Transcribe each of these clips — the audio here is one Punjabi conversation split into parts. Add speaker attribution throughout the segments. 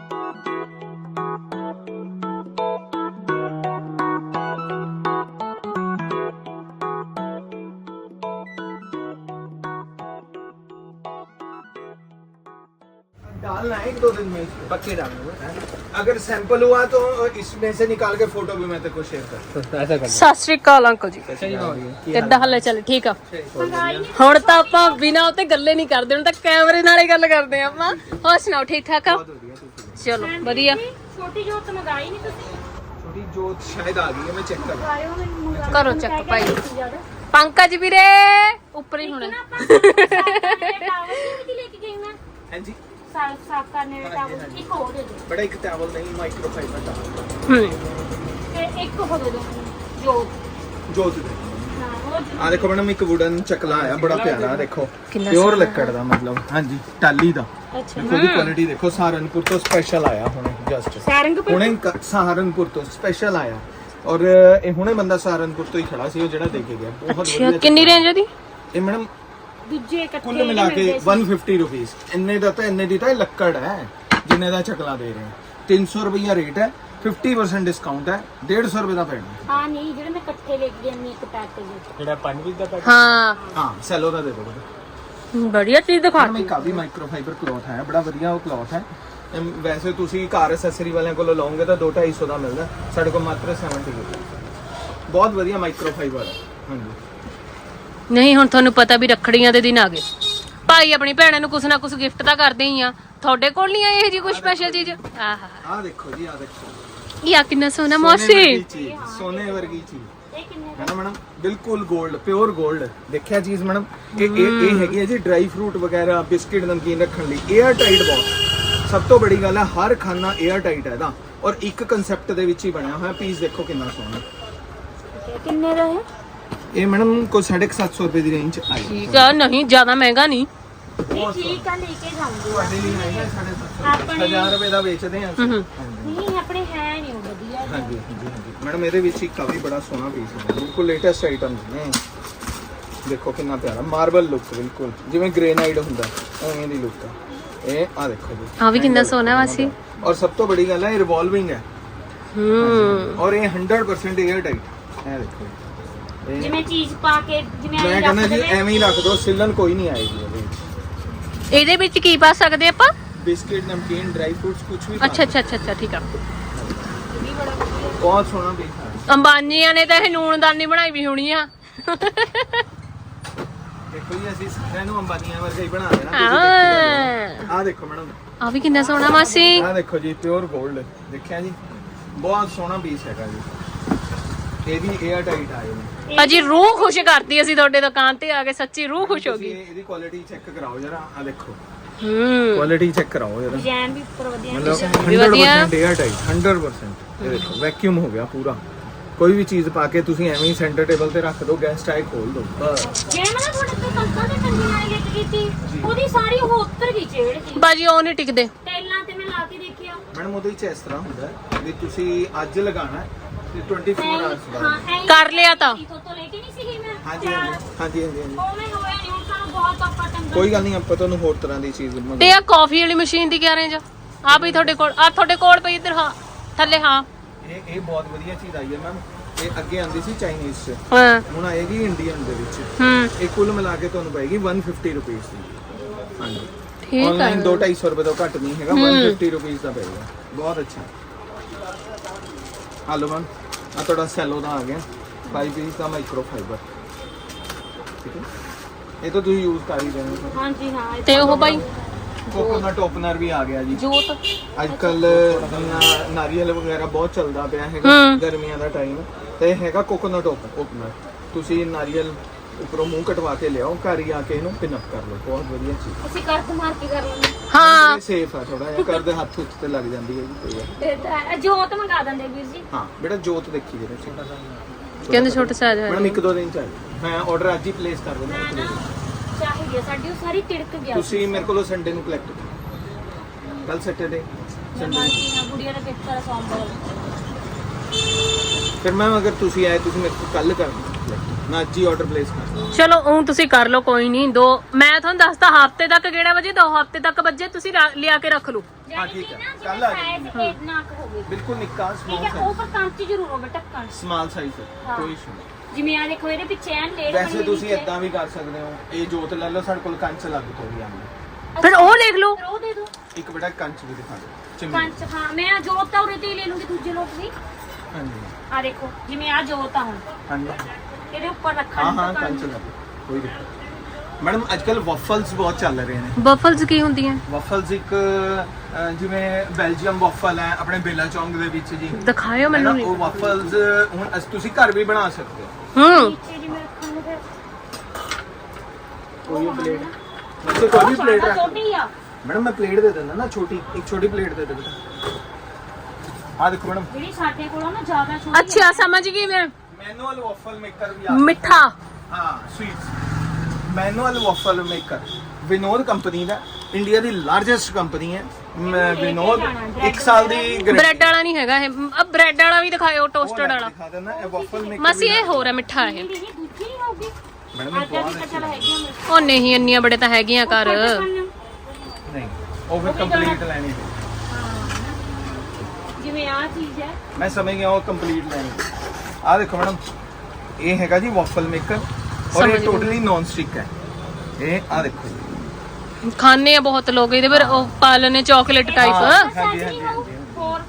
Speaker 1: डालना है 1-2 दिन में, पक्के डालना। अगर सैंपल हुआ तो इसमें से निकाल के फोटो भी मैं तेरे को शेयर कर। ऐसा कर।
Speaker 2: ਸਤਿ ਸ਼੍ਰੀ ਅਕਾਲ ਅੰਕਲ ਜੀ, ਕਿੱਦਾਂ ਹਾਲੇ? ਚੱਲ ਠੀਕ ਆ। ਹੁਣ ਤਾਂ ਆਪਾਂ ਬਿਨਾਂ ਉੱਤੇ ਗੱਲੇ ਨਹੀਂ ਕਰਦੇ, ਹੁਣ ਤਾਂ ਕੈਮਰੇ ਨਾਲ ਹੀ ਗੱਲ ਕਰਦੇ ਆ ਆਪਾਂ। ਹੋਰ ਸੁਣਾਓ, ਠੀਕ ਠਾਕ ਆ? ਚਲੋ ਵਧੀਆ।
Speaker 3: ਛੋਟੀ ਜੋਤ ਮੰਗਾਈ ਨਹੀਂ ਤੁਸੀਂ?
Speaker 1: छोटी जोत शायद आ गई है, मैं चेक कर।
Speaker 2: ਕਰੋ ਚੱਕ ਭਾਈ। ਪੰਕਜ ਵੀਰੇ ਉੱਪਰ ਹੀ ਹੋਣਾ।
Speaker 1: हां जी,
Speaker 3: ਸਾਫ ਕਰਨੇ ਵਾਲਾ ਟਾਵਲ ਇੱਕ ਹੋਰ ਦੇ ਦਿਓ।
Speaker 1: बड़ा एक टॉवल नहीं, माइक्रोफाइबर टॉवल।
Speaker 3: ਤੇ ਇੱਕ ਹੋਰ ਦੇ ਦਿਓ ਜੋਤ।
Speaker 1: जोत दे। आ देखो मैडम, एक वुडन चकला आया बड़ा प्यारा, देखो
Speaker 2: कितना
Speaker 1: प्योर
Speaker 2: सोहना
Speaker 1: लक्कड़ दा, मतलब हां जी टाली दा।
Speaker 2: ਅੱਛਾ
Speaker 1: देखो दी क्वालिटी देखो, सहारनपुर तो स्पेशल आया हुणे, जस्ट
Speaker 3: ਸਾਰੰਗਪੁਰ
Speaker 1: हुणे सहारनपुर तो स्पेशल आया। और ਇਹ ਹੁਣੇ ਬੰਦਾ ਸਹਾਰਨਪੁਰ ਤੋਂ ਹੀ ਖੜਾ ਸੀ, ਉਹ ਜਿਹੜਾ ਦੇ ਕੇ ਗਿਆ। ਬਹੁਤ
Speaker 2: ਅੱਛਾ,
Speaker 1: ਵਧੀਆ।
Speaker 2: ਕਿੰਨੀ ਰੇਂਜ ਉਹਦੀ?
Speaker 1: ਇਹ ਮੈਡਮ
Speaker 3: ਦੂਜੇ ਇਕੱਠੇ
Speaker 1: ਕੁੱਲ ਮਿਲਾ ਕੇ 150 ਰੁਪਏ। ਇੰਨੇ ਦਾ ਤਾਂ ਇੰਨੇ ਦੀ ਤਾਂ ਇਹ ਲੱਕੜ ਹੈ ਜਿੰਨੇ ਦਾ ਚਕਲਾ ਦੇ ਰਹੇ ਹਾਂ। 300 ਰੁਪਇਆ ਰੇਟ ਹੈ, 50% ਡਿਸਕਾਊਂਟ ਹੈ, 150 ਰੁਪਏ ਦਾ ਪੈਣਾ।
Speaker 3: ਹਾਂ ਨਹੀਂ, ਜਿਹੜੇ ਮੈਂ ਇਕੱਠੇ ਲੈ ਕੇ ਜਾਂਦੀ ਇੱਕ ਪੈਕ ਵਿੱਚ।
Speaker 1: ਜਿਹੜਾ 5 ਦਾ ਪੈਕ?
Speaker 2: ਹਾਂ
Speaker 1: ਹਾਂ, ਸੈਲੋ ਦਾ ਦੇ ਦੋ।
Speaker 2: बढ़िया चीज दिखा
Speaker 1: ਮੈਂ ਕਾਫੀ ਮਾਈਕਰੋਫਾਈਬਰ ਕਲੌਥ ਹੈ, ਬੜਾ ਵਧੀਆ ਉਹ ਕਲੌਥ ਹੈ। ਵੈਸੇ ਤੁਸੀਂ ਕਾਰ ਐਕਸੈਸਰੀ ਵਾਲਿਆਂ ਕੋਲੋਂ ਲਓਗੇ ਤਾਂ 200-250 ਦਾ ਮਿਲਦਾ, ਸਾਡੇ ਕੋਲ ਮਾਤਰ 70 ਰੁਪਏ। ਬਹੁਤ ਵਧੀਆ ਮਾਈਕਰੋਫਾਈਬਰ ਹੈ। ਹਾਂਜੀ।
Speaker 2: ਨਹੀਂ, ਹੁਣ ਤੁਹਾਨੂੰ ਪਤਾ ਵੀ ਰੱਖੜੀਆਂ ਦੇ ਦਿਨ ਆ ਗਏ, ਭਾਈ ਆਪਣੀ ਭੈਣਾਂ ਨੂੰ ਕੁਛ ਨਾ ਕੁਛ ਗਿਫਟ ਤਾਂ ਕਰਦੇ ਹੀ ਆ। ਤੁਹਾਡੇ ਕੋਲ ਨਹੀਂ ਆਈ ਇਹ ਜੀ ਕੋਈ ਸਪੈਸ਼ਲ ਚੀਜ਼? ਆਹ
Speaker 1: ਆਹ ਦੇਖੋ ਜੀ, ਆਹ ਦੇਖੋ,
Speaker 2: ਇਹ ਆ ਕਿੰਨਾ ਸੋਹਣਾ ਮੌਸੀ।
Speaker 1: ਸੋਨੇ ਵਰਗੀ ਚੀਜ਼
Speaker 3: ਇਹ ਕਿੰਨੇ
Speaker 1: ਹੈ ਨਾ ਮੈਡਮ, ਬਿਲਕੁਲ 골ਡ, ਪਿਓਰ 골ਡ। ਦੇਖਿਆ ਚੀਜ਼ ਮੈਡਮ, ਇਹ ਹੈਗੀ ਹੈ ਜੀ ਡਰਾਈ ਫਰੂਟ ਵਗੈਰਾ, ਬਿਸਕਿਟ, ਨਮਕੀਨ ਰੱਖਣ ਲਈ। 에ਅਰ ਟਾਈਟ ਬਾਕਸ, ਸਭ ਤੋਂ ਬੜੀ ਗੱਲ ਹੈ, ਹਰ ਖਾਨਾ 에ਅਰ ਟਾਈਟ ਹੈ ਇਹਦਾ, ਔਰ ਇੱਕ ਕਨਸੈਪਟ ਦੇ ਵਿੱਚ ਹੀ ਬਣਿਆ ਹੋਇਆ। ਪੀਸ ਦੇਖੋ ਕਿੰਨਾ ਸੋਹਣਾ।
Speaker 3: ਕਿੰਨੇ ਦਾ ਹੈ
Speaker 1: ਇਹ ਮੈਡਮ ਕੋਈ 750 ਰੁਪਏ ਦੀ ਰੇਂਜ ਆਈ।
Speaker 2: ਠੀਕ ਆ, ਨਹੀਂ ਜ਼ਿਆਦਾ ਮਹਿੰਗਾ ਨਹੀਂ।
Speaker 3: ਇਹ ਠੀਕ ਆ, ਲੈ ਕੇ ਜਾਊਂਗੀ।
Speaker 1: ਤੁਹਾਡੇ ਲਈ ਆਏਗਾ 750 1000 ਰੁਪਏ ਦਾ ਵੇਚਦੇ ਹਾਂ ਅਸੀਂ।
Speaker 3: ਨਹੀਂ ਆਪਣੇ ਹੈ ਨਹੀਂ ਉਹ ਵਧੀਆ।
Speaker 1: ਹਾਂਜੀ ਹਾਂਜੀ ਮੈਡਮ, ਇਹਦੇ ਵਿੱਚ ਇੱਕ ਕਾਫੀ ਬੜਾ ਸੋਹਣਾ ਪੀਸ ਹੈ, ਬਿਲਕੁਲ ਲੇਟੈਸਟ ਆਈਟਮਸ ਨੇ। ਦੇਖੋ ਕਿੰਨਾ ਪਿਆਰਾ ਮਾਰਬਲ ਲੁੱਕ, ਬਿਲਕੁਲ ਜਿਵੇਂ ਗ੍ਰੇਨਾਈਟ ਹੁੰਦਾ ਉਵੇਂ ਦੀ ਲੁੱਕ ਹੈ। ਇਹ ਆ ਦੇਖੋ ਜੀ,
Speaker 2: ਆ ਵੀ ਕਿੰਨਾ ਸੋਹਣਾ ਵਾਸੀ।
Speaker 1: ਔਰ ਸਭ ਤੋਂ ਬੜੀ ਗੱਲ ਹੈ, ਇਹ ਰਿਵੋਲਵਿੰਗ ਹੈ। ਔਰ ਇਹ 100% 에ਅਰ ਟਾਈਟ। ਇਹ ਦੇਖੋ,
Speaker 3: ਜਿਵੇਂ ਚੀਜ਼ ਪਾ ਕੇ ਜਿਵੇਂ
Speaker 1: ਮੈਂ ਕਹਿੰਦਾ ਜੀ ਐਵੇਂ ਹੀ ਰੱਖ ਦੋ, ਸਿਲਨ ਕੋਈ ਨਹੀਂ ਆਏਗੀ ਇਹਦੇ ਵਿੱਚ।
Speaker 2: ਇਹਦੇ ਵਿੱਚ ਕੀ ਪਾ ਸਕਦੇ ਆਪਾਂ?
Speaker 1: ਬਿਸਕਿਟ, ਨਮਕੀਨ, ਡਰਾਈ ਫਰੂਟਸ, ਕੁਝ ਵੀ।
Speaker 2: ਅੱਛਾ ਅੱਛਾ ਅੱਛਾ ਅੱਛਾ, ਠੀਕ ਆ।
Speaker 1: ਬਹੁਤ ਸੋਹਣਾ ਪੀਸ ਹੈ।
Speaker 2: ਅੰਬਾਨੀਆਂ ਨੇ ਤਾਂ ਇਹ ਨੂਨਦਾਨੀ ਬਣਾਈ ਵੀ ਹੋਣੀ ਆ।
Speaker 1: ਦੇਖੋ ਜੀ, ਅਸੀਂ ਸਾਰਿਆਂ ਨੂੰ ਅੰਬਾਨੀਆਂ ਵਰਗਾ ਹੀ ਬਣਾ ਦੇਣਾ। ਆਹ ਦੇਖੋ ਮੈਡਮ,
Speaker 2: ਆ ਵੀ ਕਿੰਨਾ ਸੋਹਣਾ ਮਾਸੀ।
Speaker 1: ਆਹ ਦੇਖੋ ਜੀ, ਪਿਓਰ 골ਡ। ਦੇਖਿਆ ਜੀ, ਬਹੁਤ ਸੋਹਣਾ ਪੀਸ ਹੈਗਾ ਜੀ। ਇਹ ਵੀ 에ਅਰ ਟਾਈਟ ਆਏ ਨੇ।
Speaker 2: ਅਜੀ ਰੂਹ ਖੁਸ਼ ਕਰਦੀ, ਅਸੀਂ ਤੁਹਾਡੇ ਦੁਕਾਨ ਤੇ ਆ ਕੇ ਸੱਚੀ ਰੂਹ ਖੁਸ਼ ਹੋ ਗਈ।
Speaker 1: ਇਹਦੀ ਕੁਆਲਿਟੀ ਚੈੱਕ ਕਰਾਓ ਜਰਾ, ਆਹ ਦੇਖੋ
Speaker 2: ਹੂੰ,
Speaker 1: ਕੁਆਲਿਟੀ ਚੈੱਕ ਕਰਾਓ ਜਰਾ।
Speaker 3: ਡਿਜ਼ਾਈਨ ਵੀ ਉੱਪਰ ਵਧੀਆ
Speaker 1: मतलब
Speaker 2: भी वधिया।
Speaker 1: 100% 에ਅਰ ਟਾਈਟ, 100%। ਇਹ ਦੇਖੋ ਵੈਕਿਊਮ ਹੋ ਗਿਆ ਪੂਰਾ। ਕੋਈ ਵੀ ਚੀਜ਼ ਪਾ ਕੇ ਤੁਸੀਂ ਐਵੇਂ ਹੀ ਸੈਂਟਰ ਟੇਬਲ ਤੇ ਰੱਖ ਦਿਓ, ਗੈਸਟ ਆਏ ਖੋਲ ਦਿਓ ਬਸ।
Speaker 3: ਜਿਵੇਂ ਮੈਂ ਤੁਹਾਡੇ ਤੋਂ ਕੰਕਾਂ ਦੇ ਕੰਗੀ ਨਾਲ ਗਿੱਟ ਕੀਤੀ, ਉਹਦੀ ਸਾਰੀ ਉਹ ਉੱਤਰ ਗਈ ਚੇੜ ਸੀ।
Speaker 2: ਬਾਜੀ ਉਹ ਨਹੀਂ ਟਿਕਦੇ।
Speaker 3: ਟੈਲਾਂ ਤੇ ਮੈਂ ਲਾ ਕੇ ਦੇਖਿਆ
Speaker 1: ਮੈਡਮ, ਉਹਦੇ ਵਿੱਚ ਇਸ ਤਰ੍ਹਾਂ ਹੁੰਦਾ ਹੈ ਵੀ ਤੁਸੀਂ ਅੱਜ ਲਗਾਣਾ ਤੇ 24 ਆਵਰਸ ਬਾਅਦ।
Speaker 3: ਹਾਂ ਐਂ
Speaker 2: ਕਰ ਲਿਆ ਤਾਂ
Speaker 3: ਤੋਂ ਲੈ ਕੇ ਨਹੀਂ ਸੀਗੀ ਮੈਂ।
Speaker 1: ਹਾਂਜੀ ਹਾਂਜੀ।
Speaker 3: ਉਵੇਂ ਹੋਇਆ ਨਹੀਂ, ਹੁਣ ਸਾਨੂੰ ਬਹੁਤ ਆਪਾਂ ਟੰਗਾ।
Speaker 1: ਕੋਈ ਗੱਲ ਨਹੀਂ, ਆਪਾਂ ਤੁਹਾਨੂੰ ਹੋਰ ਤਰ੍ਹਾਂ ਦੀ ਚੀਜ਼ ਮੰਗਾ।
Speaker 2: ਤੇ ਆ ਕਾਫੀ ਵਾਲੀ ਮਸ਼ੀਨ ਦੀ ਕਿਆ ਰੇਂਜ ਆ ਵੀ ਤੁਹਾਡੇ ਕੋਲ? ਆ ਤੁਹਾਡੇ ਕੋਲ ਪਈ ਇੱਧਰ, ਹਾਂ ਥੱਲੇ। ਹਾਂ
Speaker 1: ਇਹ ਬਹੁਤ ਵਧੀਆ ਚੀਜ਼ ਆਈ ਹੈ ਮੈਮ। ਇਹ ਅੱਗੇ ਆਂਦੀ ਸੀ ਚਾਈਨੀਜ਼ 'ਚ,
Speaker 2: ਹਾਂ
Speaker 1: ਹੁਣ ਆਏਗੀ ਇੰਡੀਅਨ ਦੇ ਵਿੱਚ।
Speaker 2: ਹੂੰ,
Speaker 1: ਇਹ ਕੁੱਲ ਮਿਲਾ ਕੇ ਤੁਹਾਨੂੰ ਪਏਗੀ 150 ਰੁਪਏ ਦੀ। ਹਾਂਜੀ,
Speaker 2: ਠੀਕ ਆ।
Speaker 1: ਆਨਲਾਈਨ 200-250 ਰੁਪਏ ਤੋਂ ਘੱਟ ਨਹੀਂ ਹੈਗਾ, 150 ਰੁਪਏ ਦਾ ਪਏਗਾ। ਬਹੁਤ ਅੱਛਾ। ਹਲੋ ਮੈਮ, ਆ ਤੁਹਾਡਾ ਸੈਲੋ ਦਾ ਆ ਗਿਆ 5 ਪੀਸ ਦਾ ਮਾਈਕਰੋਫਾਈਬਰ। ਠੀਕ ਹੈ, ਇਹ ਤਾਂ ਤੁਸੀਂ ਯੂਜ਼ ਕਰ ਹੀ ਰਹੇ ਹੋ।
Speaker 3: ਹਾਂਜੀ ਹਾਂ।
Speaker 2: ਤੇ ਉਹ ਬਾਈ
Speaker 1: ਕੋਕੋਨਟ ਓਪਨਰ ਵੀ ਆ ਗਿਆ ਜੀ।
Speaker 2: ਜੋਤ
Speaker 1: ਅੱਜ ਕੱਲ ਨਾਰੀਅਲ ਵਗੈਰਾ ਬਹੁਤ ਚੱਲਦਾ ਪਿਆ ਹੈਗਾ, ਗਰਮੀਆਂ ਦਾ ਟਾਈਮ ਤੇ ਹੈਗਾ ਕੋਕੋਨਟ ਓਪਨਰ। ਤੁਸੀਂ ਨਾਰੀਅਲ ਉੱਪਰੋਂ ਮੂੰਹ ਕਟਵਾ ਕੇ ਲਿਆਓ, ਘਰ ਹੀ ਆ ਕੇ ਇਹਨੂੰ ਪਿਨ ਅਪ ਕਰ ਲਓ। ਬਹੁਤ ਵਧੀਆ ਚੀਜ਼।
Speaker 3: ਅਸੀਂ ਕਰਦ ਮਾਰ ਕੇ ਕਰ ਲੈਂਦੇ
Speaker 2: ਹਾਂ,
Speaker 1: ਸੇਫ ਆ ਥੋੜਾ ਜਿਹਾ, ਕਰਦੇ ਹੱਥ ਉੱਤੇ ਤੇ ਲੱਗ ਜਾਂਦੀ ਹੈ ਜੀ।
Speaker 3: ਹਾਂ। ਜੋਤ ਮੰਗਾ ਦਿੰਦੇ ਵੀਰ ਜੀ।
Speaker 1: ਹਾਂ ਬੇਟਾ, ਜੋਤ ਦੇਖੀ ਜਰਾ ਛੋਟਾ
Speaker 2: ਕਹਿੰਦੇ ਛੋਟਾ ਸਾਈਜ਼ ਹੈ।
Speaker 1: ਮੈਡਮ 1-2 ਦਿਨ ਚ ਮੈਂ ਆਰਡਰ ਅੱਜ ਹੀ ਪਲੇਸ ਕਰ ਦਿੰਦਾ।
Speaker 3: ਨਾ ਚਾਹੀਦੀ ਆ ਸਾਡੀ, ਉਹ ਸਾਰੀ ਤਿੜਕ ਗਿਆ।
Speaker 1: ਤੁਸੀਂ ਮੇਰੇ ਕੋਲੋਂ ਸੰਡੇ ਨੂੰ ਕਲੈਕਟ ਕਰੋ। ਕੱਲ ਸੈਟਰਡੇ ਸੰਡੇ
Speaker 3: ਗੁੜੀਆ ਦਾ ਪੇਪਰ ਆ ਸੋਮਵਾਰ।
Speaker 1: ਫਿਰ ਮੈਮ, ਅਗਰ ਤੁਸੀਂ ਆਏ, ਤੁਸੀਂ ਮੇਰੇ ਕੋਲ ਕੱਲ ਕਰ ਦਿਓ। ਮੈਂ ਅੱਜ ਹੀ ਆਰਡਰ ਪਲੇਸ ਕਰਦਾ।
Speaker 2: ਚਲੋ ਉਹ ਤੁਸੀਂ ਕਰ ਲਓ, ਕੋਈ ਨਹੀਂ। ਦੋ ਮੈਂ ਤੁਹਾਨੂੰ ਦੱਸਦਾ ਹਫਤੇ ਤੱਕ ਕਿਹੜਾ ਵਜੇ 2 ਹਫਤੇ ਤੱਕ ਵੱਜੇ ਤੁਸੀਂ ਲਿਆ ਕੇ ਰੱਖ ਲਓ।
Speaker 1: ਹਾਂ ਠੀਕ ਹੈ, ਕੱਲ ਆ ਜਾਏਗੀ।
Speaker 3: ਸਾਈਜ਼ ਨਾ ਹੋਵੇ
Speaker 1: ਬਿਲਕੁਲ ਨਿੱਕਾ
Speaker 3: ਠੀਕ
Speaker 1: ਸਮਾਲ
Speaker 3: ਹੈ,
Speaker 1: ਸਾਈਜ਼,
Speaker 3: ਉਹ ਪਰ ਕੰਚ ਜ਼ਰੂਰ ਹੋਵੇ ਢੱਕਣ।
Speaker 1: ਸਮਾਲ ਸਾਈਜ਼
Speaker 3: ਹਾਂ।
Speaker 1: ਕੋਈ ਇਸ਼ੂ ਨਹੀਂ।
Speaker 3: ਜਿਵੇਂ ਆ ਦੇਖੋ ਇਹਦੇ ਪਿੱਛੇ ਐਨ ਲੇਟ
Speaker 1: ਵੈਸੇ ਤੁਸੀਂ ਇਦਾਂ ਵੀ ਕਰ ਸਕਦੇ ਹੋ, ਇਹ ਜੋਤ ਲੈ ਲਓ, ਸਾਡੇ ਕੋਲ ਕੰਚ ਲੱਗ ਤੋਂ ਵੀ ਆਉਂਦਾ।
Speaker 2: ਫਿਰ ਉਹ ਦੇਖ ਲਓ।
Speaker 3: ਉਹ ਦੇ ਦਿਓ
Speaker 1: ਇੱਕ ਬੜਾ ਕੰਚ ਵੀ ਦਿਖਾ ਦਿਓ, ਚਿਮਨੀ।
Speaker 3: ਕੰਚ। ਹਾਂ ਮੈਂ ਜੋਤ ਤਾਂ ਉਰੇ ਤੇ ਹੀ ਲੈ ਲੂੰਗੀ ਦੂਜੇ ਲੋਕ ਵੀ।
Speaker 1: ਹਾਂਜੀ
Speaker 3: ਆ ਦੇਖੋ ਜਿਵੇਂ ਆ ਜੋਤ ਆ ਹੁਣ
Speaker 1: ਹਾਂਜੀ
Speaker 3: ਇਹਦੇ ਉੱਪਰ ਰੱਖਣ
Speaker 1: ਹਾਂ
Speaker 3: ਨੂੰ
Speaker 1: ਹਾਂ
Speaker 3: ਤਾਂ
Speaker 1: ਕੰਚ ਲੱਗ, ਕੋਈ ਦਿੱਕਤ ਨਹੀਂ। ਮੈਡਮ ਅੱਜ ਕੱਲ ਵਫਲਸ ਬਹੁਤ ਚੱਲ ਰਹੇ ਨੇ।
Speaker 2: ਬਫਲਸ ਕੀ ਹੁੰਦੀਆਂ?
Speaker 1: ਵਫਲਸ ਇੱਕ ਜਿਵੇਂ ਬੈਲਜੀਅਮ ਵਫਲ ਹੈ ਆਪਣੇ ਬੇਲਾ ਚੌਂਕ ਦੇ ਵਿੱਚ ਜੀ,
Speaker 2: ਦਿਖਾਇਓ ਮੈਨੂੰ।
Speaker 1: ਉਹ ਵਫਲਸ ਹੁਣ ਤੁਸੀਂ ਘਰ ਵੀ ਬਣਾ ਸਕਦੇ ਹੋ।
Speaker 3: ਨੀਚੇ ਜਿਵੇਂ ਰੱਖਣ ਨੂੰ ਫਿਰ
Speaker 1: ਕੋਈ ਪਲੇਟ ਵੈਸੇ ਕੋਈ ਵੀ ਪਲੇਟ ਰੱਖ
Speaker 3: ਛੋਟੀ ਆ
Speaker 1: ਮੈਡਮ, ਮੈਂ ਪਲੇਟ ਦੇ ਦਿੰਦਾ ਨਾ ਛੋਟੀ, ਇੱਕ ਛੋਟੀ ਪਲੇਟ ਦੇ ਦੇ ਬੇਟਾ। ਆ ਦੇਖੋ ਮੈਡਮ,
Speaker 3: ਜਿਹੜੀ ਸਾਡੇ ਕੋਲ ਆ ਨਾ ਜ਼ਿਆਦਾ ਛੋਟੀ
Speaker 2: ਅੱਛਾ ਸਮਝ ਗਈ ਮੈਂ।
Speaker 1: ਮੈਨੂਅਲ ਵਫਲ ਮੇਕਰ ਵੀ ਆ।
Speaker 2: ਮਿੱਠਾ।
Speaker 1: ਹਾਂ sweets, manual waffle maker Vinod company ਦਾ, ਇੰਡੀਆ ਦੀ ਲਾਰਜੈਸਟ ਕੰਪਨੀ ਹੈ ਵਿਨੋਦ। 1 ਸਾਲ ਦੀ
Speaker 2: ਬ੍ਰੈਡ ਵਾਲਾ ਨਹੀਂ ਹੈਗਾ ਇਹ। ਬ੍ਰੈਡ ਵਾਲਾ ਵੀ ਦਿਖਾਇਓ, ਟੋਸਟਡ ਵਾਲਾ।
Speaker 1: ਦਿਖਾ ਦੇਣਾ ਇਹ ਵਫਲ ਮੇਕਰ।
Speaker 2: ਮਾਸੀ ਇਹ ਹੋਰ ਹੈ ਮਿੱਠਾ ਇਹ।
Speaker 3: ਦੂਜੀ ਨਹੀਂ ਹੋਊਗੀ
Speaker 1: ਮੈਡਮ
Speaker 3: ਅੱਜ ਦੀ ਕਚਲ ਹੈਗੀ ਆ ਮੇਰੇ
Speaker 2: ਉਹ ਨਹੀਂ ਇੰਨੀਆਂ ਬੜੇ ਤਾਂ ਹੈਗੀਆਂ ਘਰ।
Speaker 1: ਨਹੀਂ, ਉਹ ਫਿਰ ਕੰਪਲੀਟ ਲੈਣੀ ਹੈ।
Speaker 3: ਜਿਵੇਂ ਆ ਚੀਜ਼ ਹੈ
Speaker 1: ਮੈਂ ਸਮਝ ਗਿਆ, ਉਹ ਕੰਪਲੀਟ ਲੈਣੀ। ਆ ਦੇਖੋ ਮੈਡਮ, ਇਹ ਹੈਗਾ ਜੀ ਵਫਲ ਮੇਕਰ ਔਰ ਇਹ ਟੋਟਲੀ ਨੌਨ ਸਟਿਕ ਹੈ। ਇਹ ਆ ਦੇਖੋ ਜੀ,
Speaker 2: ਖਾਣੇ ਆ ਬਹੁਤ ਲੋਕ ਇਹਦੇ ਪਰ ਉਹ ਪਾਲਨੇ ਚਾਕਲੇਟ ਟਾਈਪ।
Speaker 1: ਹਾਂਜੀ ਹਾਂਜੀ
Speaker 3: ਹੋਰ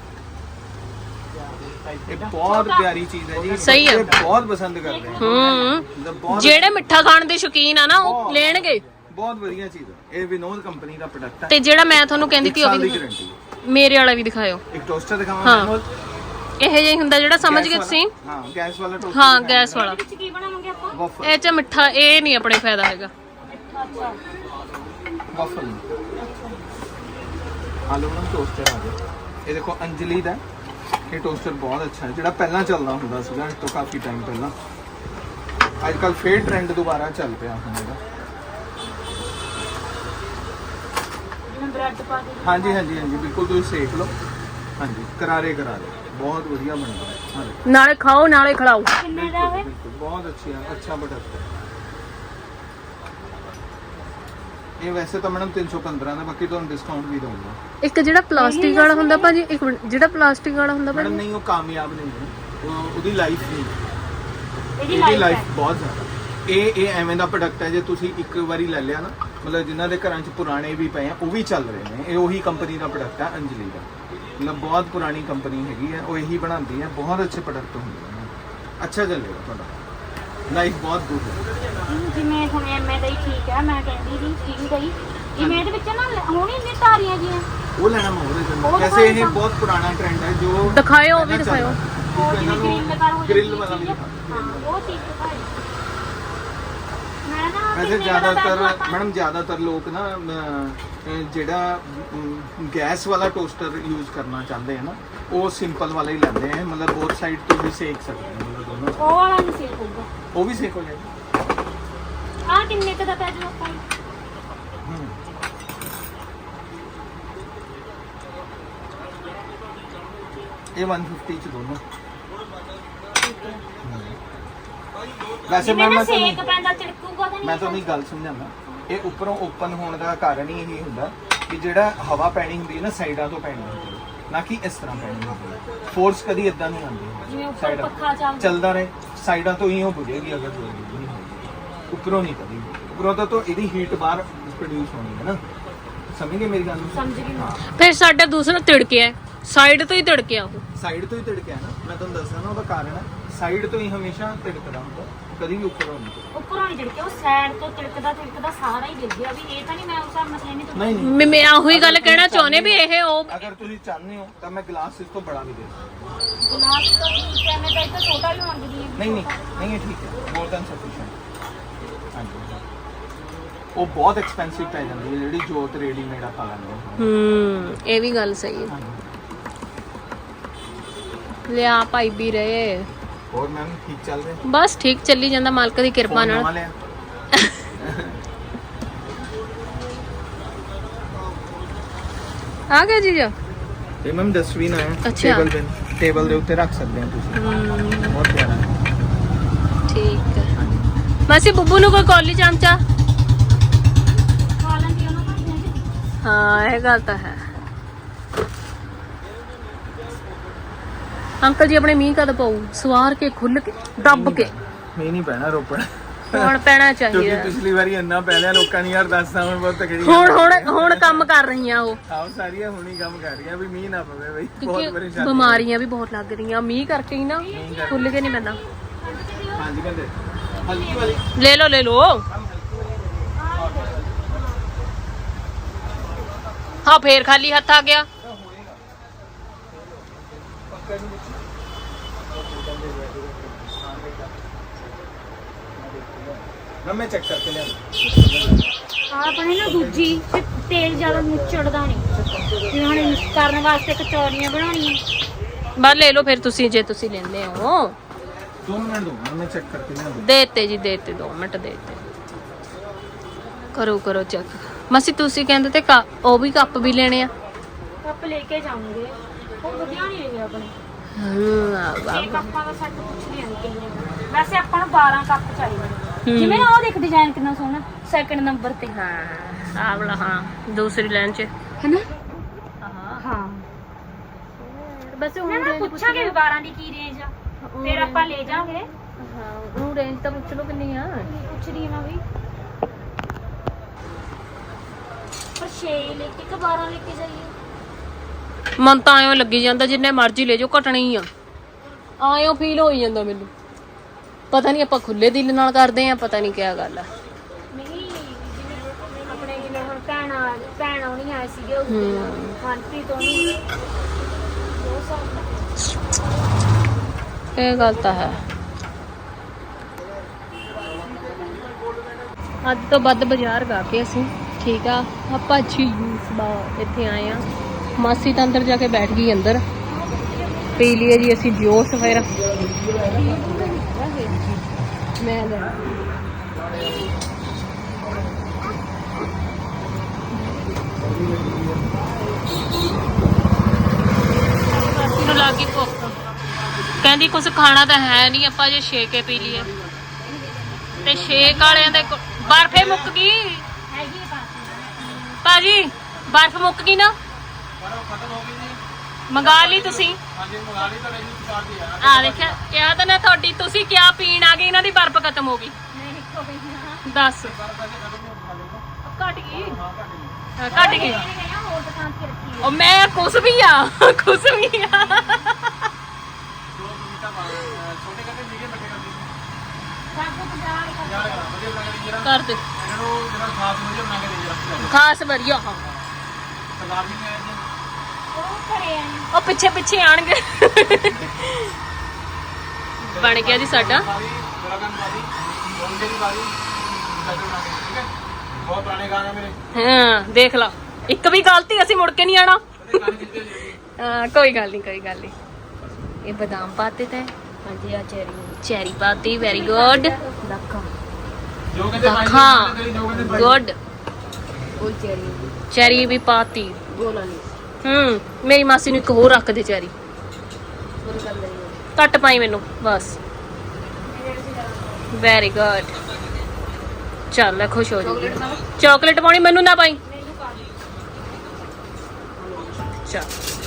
Speaker 1: ਇਹ ਬਹੁਤ ਪਿਆਰੀ ਚੀਜ਼ ਹੈ ਜੀ,
Speaker 2: ਸਹੀ ਹੈ।
Speaker 1: ਬੱਚੇ ਬਹੁਤ ਪਸੰਦ ਕਰਦੇ ਆ। ਮਤਲਬ ਬਹੁਤ
Speaker 2: ਜਿਹੜੇ ਮਿੱਠਾ ਖਾਣ ਦੇ ਸ਼ੌਕੀਨ ਆ ਨਾ ਉਹ ਲੈਣਗੇ।
Speaker 1: ਬਹੁਤ ਵਧੀਆ ਚੀਜ਼ ਹੈ। ਇਹ ਵਿਨੋਦ ਕੰਪਨੀ ਦਾ ਪ੍ਰੋਡਕਟ ਹੈ।
Speaker 2: ਤੇ ਜਿਹੜਾ ਮੈਂ ਤੁਹਾਨੂੰ ਕਹਿੰਦੀ ਸੀ ਉਹ
Speaker 1: ਸਾਲ ਦੀ
Speaker 2: ਵੀ
Speaker 1: ਗਾਰੰਟੀ
Speaker 2: ਮੇਰੇ ਵਾਲਾ ਵੀ ਦਿਖਾਇਓ।
Speaker 1: ਇੱਕ ਟੋਸਟਰ ਦਿਖਾਵਾਂ
Speaker 2: ਹਾਂ।
Speaker 1: ਮੈਨੂਅਲ,
Speaker 2: ਇਹ ਜਿਹਾ ਹੀ ਹੁੰਦਾ ਜਿਹੜਾ ਸਮਝ ਗਏ ਤੁਸੀਂ।
Speaker 1: ਹਾਂ ਗੈਸ ਵਾਲਾ ਟੋਸਟਰ।
Speaker 2: ਹਾਂ ਗੈਸ ਵਾਲਾ।
Speaker 3: ਵਿੱਚ ਕੀ ਬਣਾਵਾਂਗੇ ਆਪਾਂ
Speaker 1: ਵਫਲ
Speaker 2: ਇਹ ਚ ਮਿੱਠਾ ਇਹ ਨਹੀਂ ਆਪਣੇ ਫਾਇਦਾ ਹੈਗਾ।
Speaker 3: ਅੱਛਾ
Speaker 1: ਵਫਲ ਆਲੂ ਨਾਲ ਟੋਸਟਰ ਆ ਗਿਆ। ਇਹ ਦੇਖੋ ਅੰਜਲੀ ਦਾ, ਇਹ ਟੋਸਟਰ ਬਹੁਤ ਅੱਛਾ ਹੈ, ਜਿਹੜਾ ਪਹਿਲਾਂ ਚੱਲਦਾ ਹੁੰਦਾ ਸੀਗਾ ਇਸ ਤੋਂ ਕਾਫੀ ਟਾਈਮ ਪਹਿਲਾਂ। ਅੱਜ ਕੱਲ ਫੇਰ ਟ੍ਰੈਂਡ ਦੁਬਾਰਾ ਚੱਲ ਪਿਆ ਹੁਣ ਇਹਦਾ।
Speaker 3: ਜਿਵੇਂ ਬ੍ਰੈਡ ਪਾ ਕੇ
Speaker 1: ਹਾਂਜੀ ਹਾਂਜੀ ਹਾਂਜੀ ਬਿਲਕੁਲ, ਤੁਸੀਂ ਸੇਕ ਲਓ। ਹਾਂਜੀ ਕਰਾਰੇ ਕਰਾਰੇ ਬਹੁਤ ਵਧੀਆ ਬਣਦਾ ਹੈ। ਹਾਂਜੀ
Speaker 2: ਨਾਲੇ ਖਾਓ ਨਾਲੇ ਖਿਲਾਓ।
Speaker 3: ਕਿੰਨੇ ਦਾ ਹੋਵੇ
Speaker 1: ਬਿਲਕੁਲ ਬਹੁਤ ਅੱਛਾ ਪ੍ਰੋਡਕਟ ਹੈ। ਇਹ ਵੈਸੇ ਤਾਂ ਮੈਡਮ 315 ਦਾ, ਬਾਕੀ ਤੁਹਾਨੂੰ ਡਿਸਕਾਊਂਟ ਵੀ ਦਊਂਗਾ।
Speaker 2: ਇੱਕ ਜਿਹੜਾ ਪਲਾਸਟਿਕ ਵਾਲਾ ਹੁੰਦਾ ਭਾਜੀ, ਇੱਕ ਮਿੰਟ, ਜਿਹੜਾ ਪਲਾਸਟਿਕ ਵਾਲਾ ਹੁੰਦਾ
Speaker 1: ਮੈਡਮ
Speaker 2: ਭਾਜੀ
Speaker 1: ਨਹੀਂ, ਉਹ ਕਾਮਯਾਬ ਨਹੀਂ ਹੈ, ਉਹਦੀ ਲਾਈਫ ਨਹੀਂ,
Speaker 3: ਇਹਦੀ
Speaker 1: ਇਹਦੀ
Speaker 3: ਲਾਈਫ
Speaker 1: ਲਾਈਫ ਬਹੁਤ ਜ਼ਿਆਦਾ। ਇਹ ਐਵੇਂ ਦਾ ਪ੍ਰੋਡਕਟ ਹੈ, ਜੇ ਤੁਸੀਂ ਇੱਕ ਵਾਰੀ ਲੈ ਲਿਆ ਨਾ, ਮਤਲਬ ਜਿਨ੍ਹਾਂ ਦੇ ਘਰਾਂ 'ਚ ਪੁਰਾਣੇ ਵੀ ਪਏ ਆ ਉਹ ਵੀ ਚੱਲ ਰਹੇ ਨੇ। ਇਹ ਉਹੀ ਕੰਪਨੀ ਦਾ ਪ੍ਰੋਡਕਟ ਹੈ ਅੰਜਲੀ ਦਾ, ਮਤਲਬ ਬਹੁਤ ਪੁਰਾਣੀ ਕੰਪਨੀ ਹੈਗੀ ਹੈ, ਉਹ ਇਹੀ ਬਣਾਉਂਦੀ ਹੈ। ਬਹੁਤ ਅੱਛੇ ਪ੍ਰੋਡਕਟ ਹੁੰਦੇ ਨੇ, ਅੱਛਾ ਚੱਲੇਗਾ ਤੁਹਾਡਾ, ਲਾਈਫ ਬਹੁਤ ਗੁੱਡ ਹੈ।
Speaker 3: ਜਿਵੇਂ ਹੁਣ ਐਮਏ ਦਾ ਹੀ ਠੀਕ ਹੈ, ਮੈਂ ਕਹਿੰਦੀ ਸੀ ਸਟੀਲ ਦਾ ਹੀ। ਜਿਵੇਂ ਇਹਦੇ ਵਿੱਚ ਨਾ ਹੋਣੀ ਇੰਨੀ ਤਾਰੀਆਂ ਜੀਆਂ
Speaker 1: ਉਹ ਲੈਣਾ ਮੈਂ ਉਹਦੇ
Speaker 3: ਉਹ
Speaker 1: ਤੋਂ। ਵੈਸੇ ਇਹ ਬਹੁਤ ਪੁਰਾਣਾ ਟ੍ਰੈਂਡ ਹੈ ਜੋ
Speaker 2: ਦਿਖਾਇਓ, ਉਹ ਵੀ
Speaker 1: ਪਹਿਲਾਂ
Speaker 2: ਦਿਖਾਇਓ।
Speaker 1: ਚੱਲਦਾ।
Speaker 3: ਉਹ ਜਿਵੇਂ ਗ੍ਰਿਲ ਲਗਾ ਹੋ
Speaker 1: ਗ੍ਰਿਲ ਵਾਲਾ ਵੀ
Speaker 3: ਹਾਂ
Speaker 1: ਦਿਖਾ।
Speaker 3: ਉਹ ਚੀਜ਼ ਦਿਖਾਈ। ਮੈਂ ਨਾ
Speaker 1: ਵੈਸੇ ਜ਼ਿਆਦਾਤਰ ਮੈਡਮ ਜ਼ਿਆਦਾਤਰ ਲੋਕ ਨਾ ਜਿਹੜਾ ਗੈਸ ਵਾਲਾ ਟੋਸਟਰ ਯੂਜ਼ ਕਰਨਾ ਚਾਹੁੰਦੇ ਆ ਨਾ, ਉਹ ਸਿੰਪਲ ਵਾਲਾ ਹੀ ਲੈਂਦੇ ਆ, ਮਤਲਬ ਬੋਥ ਸਾਈਡ ਤੋਂ ਵੀ ਸੇਕ ਸਕਦੇ ਆ, ਮਤਲਬ ਦੋਨੋਂ।
Speaker 3: ਉਹ ਵਾਲਾ ਨਹੀਂ ਸੇਕ ਹੋਊਗਾ।
Speaker 1: ਉਹ ਵੀ ਸੇਕ ਹੋ ਜਾਏਗਾ।
Speaker 3: ਆਹ ਕਿੰਨੇ ਕੁ ਦਾ ਪੈ ਜਾਊ ਆਪਾਂ ਨੂੰ?
Speaker 1: ਇਹ 150 ਚ ਦੋਨੋਂ। ਵੈਸੇ
Speaker 3: ਜਿਵੇਂ ਨਾ
Speaker 1: ਮੈਂ
Speaker 3: ਸੇਕ ਪੈਂਦਾ ਤਿੜਕੂਗਾ ਤਾਂ
Speaker 1: ਮੈਂ
Speaker 3: ਨਹੀਂ?
Speaker 1: ਤੁਹਾਨੂੰ ਇੱਕ ਗੱਲ ਸਮਝਾਉਂਦਾ। ਇਹ ਉੱਪਰੋਂ ਓਪਨ ਹੋਣ ਦਾ ਕਾਰਨ ਹੀ ਇਹ ਹੁੰਦਾ ਕਿ ਜਿਹੜਾ ਹਵਾ ਪੈਣੀ ਹੁੰਦੀ ਹੈ ਨਾ, ਸਾਈਡਾਂ ਤੋਂ ਪੈਣੀ ਹੁੰਦੀ ਹੈ, ਨਾ ਕਿ ਇਸ ਤਰ੍ਹਾਂ ਪੈਣੀ ਹੁੰਦੀ ਹੈ। ਫੋਰਸ ਕਦੀ ਇਦਾਂ ਨਹੀਂ ਆਉਂਦੀ।
Speaker 3: ਜਿਵੇਂ ਉੱਪਰ ਪੱਖਾ
Speaker 1: ਚੱਲਦਾ ਰਹੇ, ਸਾਈਡਾਂ ਤੋਂ ਹੀ ਉਹ ਬੁਝੇਗੀ ਅਗਰ ਬੁਝੇਗੀ ਨਹੀਂ ਹੋਏਗੀ, ਉੱਪਰੋਂ ਨਹੀਂ ਕਦੀ। ਉੱਪਰੋਂ ਤਾਂ ਇਹਦੀ ਹੀਟ ਬਾਹਰ ਪ੍ਰੋਡਿਊਸ ਹੋਣੀ ਹੈ ਨਾ, ਸਮਝ ਗਏ ਮੇਰੀ ਗੱਲ ਨੂੰ?
Speaker 3: ਸਮਝ ਗਈ ਮੈਂ।
Speaker 2: ਫਿਰ ਸਾਡਾ ਦੂਸਰਾ ਤਿੜਕਿਆ, ਸਾਈਡ ਤੋਂ ਹੀ ਤਿੜਕਿਆ ਉਹ।
Speaker 1: ਸਾਈਡ ਤੋਂ ਹੀ ਤਿੜਕਿਆ ਨਾ, ਮੈਂ ਤੁਹਾਨੂੰ ਦੱਸਦਾ ਨਾ ਉਹਦਾ ਕਾਰਨ ਹੈ। ਸਾਈਡ ਤੋਂ ਹੀ ਹਮੇਸ਼ਾ ਤਿੜਕਦਾ ਹੁੰਦਾ, ਕਦੀ ਵੀ ਉੱਪਰੋਂ ਨਹੀਂ।
Speaker 3: ਉੱਪਰੋਂ ਨਹੀਂ ਤਿੜਕਿਆ, ਉਹ ਸਾਈਡ ਤੋਂ ਤਿੜਕਦਾ ਸਾਰਾ ਹੀ ਗਿਰ ਗਿਆ। ਵੀ ਇਹ ਤਾਂ ਨਹੀਂ ਮੈਂ ਉਸ ਹਿਸਾਬ ਨਾਲ ਕਹਿੰਦੀ ਤੁਹਾਨੂੰ।
Speaker 1: ਨਹੀਂ ਨਹੀਂ,
Speaker 2: ਮੈਂ ਉਹੀ ਗੱਲ ਕਹਿਣਾ ਚਾਹੁੰਦੇ ਵੀ ਇਹ ਉਹ
Speaker 1: ਅਗਰ ਤੁਸੀਂ ਚਾਹੁੰਦੇ ਹੋ ਤਾਂ ਮੈਂ ਗਲਾਸ ਇਸ ਤੋਂ ਬੜਾ ਵੀ ਦੇ ਸਕਦਾ।
Speaker 3: ਗਲਾਸ ਤਾਂ ਠੀਕ ਹੈ, ਮੈਂ ਤਾਂ ਇੱਕ ਛੋਟਾ ਵੀ ਮੰਗਦੀ ਹਾਂ।
Speaker 1: ਨਹੀਂ ਨਹੀਂ ਨਹੀਂ, ਇਹ ਠੀਕ ਹੈ, ਮੋਰ ਦੈਨ ਸਫੀਸ਼ੀਐਂਟ। ਹਾਂਜੀ ਉਹ ਬਹੁਤ ਐਕਸਪੈਂਸਿਵ ਪੈ ਜਾਂਦੀ ਹੈ ਜਿਹੜੀ ਜੋਤ ਰੈਡੀਮੇਡ ਆਪਾਂ ਲੈਂਦੇ ਹਾਂ।
Speaker 2: ਇਹ ਵੀ ਗੱਲ ਸਹੀ ਹੈ। ਲਿਆ ਭਾਈ ਵੀ ਰਹੇ।
Speaker 1: ਹੋਰ ਮੈਮ ਠੀਕ ਚੱਲ ਰਿਹਾ?
Speaker 2: ਬਸ ਠੀਕ ਚੱਲੀ ਜਾਂਦਾ ਮਾਲਕ ਦੀ ਕਿਰਪਾ
Speaker 1: ਫੋਨ
Speaker 2: ਨਾਲ।
Speaker 1: ਨਵਾਂ ਲਿਆ?
Speaker 2: ਆ ਗਿਆ ਜੀਜਾ।
Speaker 1: ਇਹ ਮੈਮ ਡਸਟਬਿਨ ਆਇਆ
Speaker 2: ਅੱਛਾ।
Speaker 1: ਟੇਬਲ ਦੇ ਉੱਤੇ ਰੱਖ ਸਕਦੇ ਹੋ ਤੁਸੀਂ। ਬਹੁਤ ਪਿਆਰਾ ਹੈ।
Speaker 2: ਠੀਕ ਹੈ।
Speaker 1: ਹਾਂਜੀ
Speaker 2: ਮਾਸੀ ਬੁੱਬੂ ਨੂੰ ਕੋਈ ਕੌਲੀ ਚਮਚਾ।
Speaker 3: ਖਾ ਲੈਂਦੀ ਉਹਨਾਂ ਭਾਂਡਿਆਂ 'ਚ।
Speaker 2: ਹਾਂ ਇਹ ਗੱਲ ਤਾਂ ਹੈ। ਅੰਕਲ ਜੀ ਆਪਣੇ ਮੀਂਹ ਕਦ ਪਊ? ਸਵਾਰ ਕੇ ਖੁੱਲ ਕੇ ਦੱਬ ਕੇ।
Speaker 1: ਮੀਂਹ ਨਹੀਂ ਪੈਣਾ ਰੋਪੜ,
Speaker 2: ਹੁਣ ਪੈਣਾ
Speaker 1: ਕਿਉਂਕਿ
Speaker 2: ਚਾਹੀਦਾ।
Speaker 1: ਪਿਛਲੀ ਵਾਰੀ ਇੰਨਾ ਪੈ ਲਿਆ ਲੋਕਾਂ ਨੇ ਯਾਰ 10 ਸਾਲ ਬਹੁਤ ਤਕੜੀ।
Speaker 2: ਹੁਣ ਕੰਮ ਕਰ ਰਹੀਆਂ ਉਹ,
Speaker 1: ਆਹ ਸਾਰੀਆਂ ਹੁਣੀ ਕੰਮ ਕਰ ਰਹੀਆਂ ਵੀ ਮੀਂਹ ਨਾ ਪਵੇ ਬਈ, ਬਹੁਤ
Speaker 2: ਕਿਉਂਕਿ
Speaker 1: ਪਰੇਸ਼ਾਨੀ।
Speaker 2: ਬਿਮਾਰੀਆਂ ਵੀ ਬਹੁਤ ਲੱਗ ਰਹੀਆਂ ਮੀਂਹ ਕਰਕੇ ਹੀ ਨਾ, ਖੁੱਲ ਕੇ ਨਹੀਂ ਪੈਂਦਾ।
Speaker 1: ਹਾਂਜੀ ਕਹਿੰਦੇ ਹਲਕੀ ਵਾਲੀ
Speaker 2: ਲੈ ਲਓ ਲੈ ਲਓ। ਹਾਂ ਫੇਰ ਖਾਲੀ ਹੱਥ ਆ ਗਿਆ।
Speaker 1: ਨਾ ਮੈਂ ਚੈੱਕ ਕਰਕੇ ਲਿਆ।
Speaker 3: ਆਪਣੇ ਨਾ ਦੂਜੀ ਤੇ ਤੇਲ ਜ਼ਿਆਦਾ ਮੁੱਚੜਦਾ ਨਹੀਂ, ਜਿਵੇਂ ਹੁਣ ਕਰਨ ਵਾਸਤੇ ਕਚੌਰੀਆਂ ਬਣਾਉਣੀਆਂ।
Speaker 2: ਬਸ ਲੈ ਲਓ ਫਿਰ ਤੁਸੀਂ, ਜੇ ਤੁਸੀਂ ਲੈਂਦੇ ਹੋ।
Speaker 1: 2 ਮਿੰਟ ਦੋ, ਮੈਂ ਚੈੱਕ ਕਰਕੇ ਲਿਆ।
Speaker 2: ਦੇਤੇ ਜੀ ਦੇਤੇ, 2 ਮਿੰਟ ਦੇਤੇ। ਕਰੋ ਚੈੱਕ। ਮਸੀ ਤੁਸੀਂ ਕਹਿੰਦੇ ਤੇ ਉਹ ਵੀ ਕੱਪ ਵੀ ਲੈਣੇ ਆ।
Speaker 3: ਕੱਪ ਲੈ ਕੇ ਜਾਵਾਂਗੇ, ਉਹ ਵਧੀਆ ਨਹੀਂ ਹੈਗੇ ਆਪਣੇ।
Speaker 2: ਹਾਂ
Speaker 3: ਇਹ ਕੱਪਾਂ ਦਾ ਸੈੱਟ ਪੁੱਛ ਲਿਆ ਕਿੰਨੇ ਦਾ। ਵੈਸੇ ਆਪਾਂ ਨੂੰ 12 ਕੱਪ ਚਾਹੀਦੇ। ਜਿਵੇਂ ਨਾ ਉਹ ਦੇਖ ਡਿਜ਼ਾਈਨ ਕਿੰਨਾ ਸੋਹਣਾ, ਸੈਕਿੰਡ ਨੰਬਰ ਤੇ।
Speaker 2: ਹਾਂ ਆਹ ਵਾਲਾ, ਹਾਂ ਦੂਸਰੀ ਲਾਈਨ 'ਚ
Speaker 3: ਹੈਨਾ?
Speaker 2: ਹਾਂ
Speaker 3: ਹਾਂ
Speaker 2: ਬਸ
Speaker 3: ਨਾ ਪੁੱਛਾਂਗੇ ਵੀ 12 ਦੀ ਕੀ ਰੇਂਜ ਆ, ਫਿਰ ਆਪਾਂ ਲੈ ਜਾਵਾਂਗੇ।
Speaker 2: ਹਾਂ ਉਹ ਰੇਂਜ ਤਾਂ ਪੁੱਛ ਲਓ ਕਿੰਨੀ ਆ।
Speaker 3: ਪੁੱਛ ਰਹੀ ਨਾ ਵੀ, ਪਰ 6 ਲੈ ਕੇ ਕਿ 12 ਲੈ ਕੇ ਜਾਈਏ?
Speaker 2: ਮਨ ਤਾਂ ਐਂ ਲੱਗੀ ਜਾਂਦਾ ਜਿੰਨੇ ਮਰਜ਼ੀ ਲੈ ਜਾਓ ਘਟਣੀ ਆ। ਆਇਓ ਫੀਲ ਹੋਈ ਜਾਂਦਾ ਮੈਨੂੰ, ਪਤਾ ਨਹੀਂ ਆਪਾਂ ਖੁੱਲੇ ਦਿਲ ਨਾਲ ਕਰਦੇ ਆ, ਪਤਾ ਨਹੀਂ ਕਿਆ ਗੱਲ ਆ।
Speaker 3: ਨਹੀਂ ਜਿਵੇਂ ਆਪਣੇ ਜਿਵੇਂ ਹੁਣ ਭੈਣ ਆਉਣੀ ਆਏ ਸੀਗੇ ਉਸ ਦਿਨ, ਮਨਪ੍ਰੀਤ ਹੋਣੀ, ਉਹ ਸਭ
Speaker 2: ਇਹ ਗੱਲ ਤਾਂ ਹੈ। ਅੱਜ ਤੋਂ ਵੱਧ ਬਾਜ਼ਾਰ ਗਾ ਕੇ ਅਸੀਂ, ਠੀਕ ਆ। ਆਪਾਂ ਜੂਸ ਬਾ ਇੱਥੇ ਆਏ ਆ। ਮਾਸੀ ਤਾਂ ਅੰਦਰ ਜਾ ਕੇ ਬੈਠ ਗਈ, ਅੰਦਰ ਪੀ ਲਈਏ ਜੀ ਅਸੀਂ ਜੂਸ। ਫਿਰ ਮੈਂ ਲੈ ਮਾਸੀ ਨੂੰ ਲੱਗੀ ਭੁੱਖ, ਕਹਿੰਦੀ ਕੁਝ ਖਾਣਾ ਤਾਂ ਹੈ ਨਹੀਂ, ਆਪਾਂ ਜੇ ਸ਼ੇਕ ਕੇ ਪੀ ਲਈਏ। ਤੇ ਸ਼ੇਕ ਵਾਲਿਆਂ ਦੇ ਬਰਫੇ ਮੁੱਕ ਗਈ
Speaker 3: ਹੈਗੀ
Speaker 2: ਭਾਜੀ, ਬਰਫ ਮੁੱਕ ਗਈ ਨਾ, ਮੰਗਾ ਲਈ ਤੁਸੀਂ? ਆ ਦੇਖਿਆ, ਕਿਹਾ ਤਾਂ ਨਾ ਤੁਹਾਡੀ, ਤੁਸੀਂ ਕਿਆ ਪੀਣ ਆ ਗਏ, ਇਹਨਾਂ ਦੀ ਬਰਫ ਖਤਮ ਹੋ ਗਈ। ਦੱਸ ਘਟ ਗਈ, ਘਟ ਗਈ।
Speaker 3: ਹੋਰ ਦੁਕਾਨ ਤੇ ਰੱਖੀ
Speaker 2: ਉਹ ਮੈਂ ਕੁਛ ਵੀ ਆ, ਕੁਛ ਵੀ ਆ। ਕਰ ਦੇ ਖਾਸ ਵਧੀਆ। ਹਾਂ ਉਹ ਪਿੱਛੇ ਪਿੱਛੇ ਆਣਗੇ। ਬਣ ਗਿਆ ਜੀ ਸਾਡਾ। ਹਾਂ ਦੇਖ ਲਾ, ਇੱਕ ਵੀ ਗਲਤੀ ਅਸੀਂ ਮੁੜ ਕੇ ਨਹੀਂ ਆਣਾ। ਹਾਂ ਕੋਈ ਗੱਲ ਨਹੀਂ, ਕੋਈ ਗੱਲ ਨਹੀਂ। ਇਹ ਬਦਾਮ ਪਾਤੇ ਤੇ
Speaker 3: ਹਾਂਜੀ ਆ
Speaker 2: ਚੈਰੀ ਪਾਤੀ, ਵੈਰੀ ਗੁੱਡ।
Speaker 3: ਦੱਖਾ
Speaker 2: ਹਾਂ ਗੁੱਡ।
Speaker 3: ਉਹ
Speaker 2: ਚੈਰੀ ਵੀ ਪਾਤੀ।
Speaker 3: ਗੋਲਾ ਨਹੀਂ
Speaker 2: ਮੇਰੀ ਮਾਸੀ ਨੂੰ ਇੱਕ ਹੋਰ ਰੱਖ ਦੇ ਚੈਰੀ, ਘੱਟ ਪਾਈ ਮੈਨੂੰ ਬਸ। Very good. ਚੱਲ ਖੁਸ਼ ਹੋ ਜਾਊਗੀ। ਚਾਕਲੇਟ ਪਾਉਣੀ ਮੈਨੂੰ ਨਾ ਪਾਈ। ਚੱਲ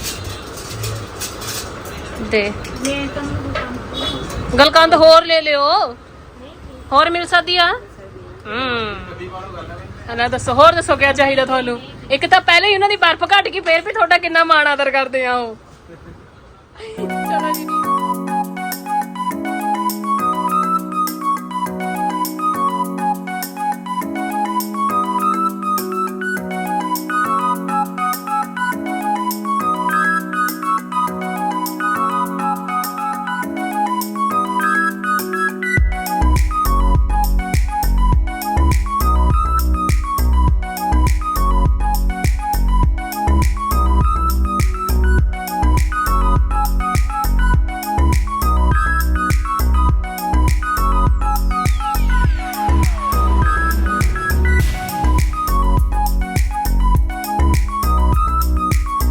Speaker 2: ਦੇ ਗਲਕੰਦ ਹੋਰ ਲੈ ਲਿਓ, ਹੋਰ ਮਿਲ ਸਕਦੀ ਆ। ਨਾ ਦੱਸੋ, ਹੋਰ ਦੱਸੋ ਕਿਆ ਚਾਹੀਦਾ ਤੁਹਾਨੂੰ? ਇੱਕ ਤਾਂ ਪਹਿਲੇ ਹੀ ਉਹਨਾਂ ਦੀ ਬਰਫ਼ ਘਟ ਗਈ, ਫੇਰ ਵੀ ਤੁਹਾਡਾ ਕਿੰਨਾ ਮਾਣ ਆਦਰ ਕਰਦੇ ਆ ਉਹ। ਚਲੋ ਜੀ।